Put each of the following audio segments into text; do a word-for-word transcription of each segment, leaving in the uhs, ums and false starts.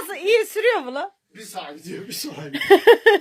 Nasıl iyi sürüyor mu lan? Bir sağa gidiyor, bir sola gidiyor.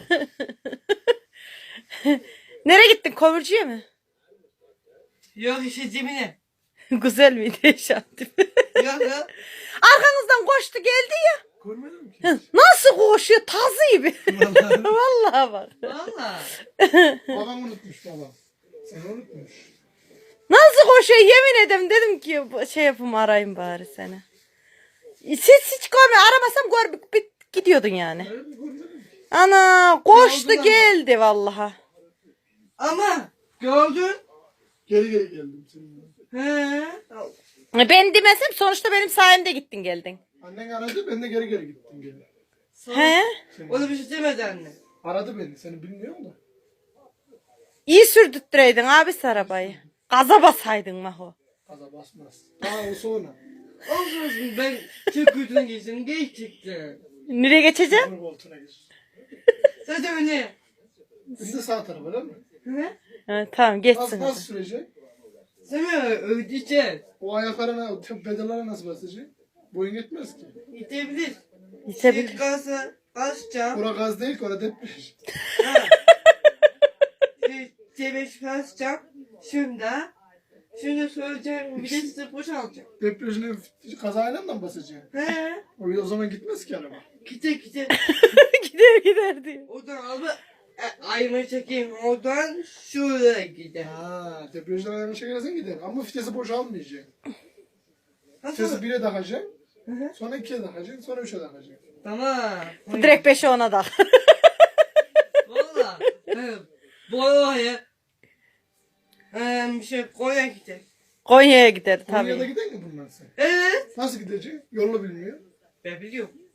Nereye gittin? Komürcüye mi? Yok işte cebine. Güzel miydi şartım? Yok yok. Arkanızdan koştu geldi ya. Görmedim ki. Nasıl koşuyor? Tazı gibi. Vallahi. Vallahi bak. Valla. Babam unutmuş babam. Sen unutmuş. Nasıl koşuyor yemin ederim dedim ki bu- şey yapayım arayayım bari seni. Siz hiç görme aramasam gör bit gidiyordun yani. Öyle mi görmedim ki? Ana koştu Gördün ama. geldi vallahi. Ama gördün. Geri geri geldim seninle. He. Ben demesem sonuçta benim sayemde gittin geldin. Annen aradı, ben de geri geri gittim geri. He? Seni. O da bir şey demedi anne. Aradı beni, seni bilmiyorum da. İyi sürdürttireydin abi arabayı. Gaza basaydın Maho. Gaza basmaz. Daha o sonra. Olsun ben çok kötüne geçtim. Geçecektim. Nereye geçeceğim? Onun koltuğuna gir. Zaten öyle. Şimdi sağ tarafa değil mi? He? Ha, tamam Nasıl, geçsin. nasıl hadi. sürecek? Sen mi ödeyeceğiz? O ayaklarına, o te- pedallara nasıl basacak? Boyun yetmez ki. Gidebilir. Geçebilir. Şey gazı açacağım. Ora gaz değil ki, ora depreş. Ha. Şey cebeş basacağım. Şimdi. Şimdi söyleyeceğim. Bir de size boşalacağım. Depreşine kazayla mı basacaksın? He. O, o zaman gitmez ki araba. Gide gide. gider gider diyor. Oradan alıp e, ayımı çekeyim. Oradan şuraya gider. Ha, depreşten ayağını çekersen gider. Ama vitesi boşalmayacak. Vitesi Nasıl? bire takacaksın. Hı hı. Sonra ikiye takacaksın. Sonra üçe takacaksın. Tamam. Direkt beşe ona da. Valla. He. Boyaya. Eee bir şey koya gider. Konya'ya gider Konya'da tabii. gider mi bunlar sen? Evet. Nasıl gidecek? Yolu bilmiyor. Ben biliyorum.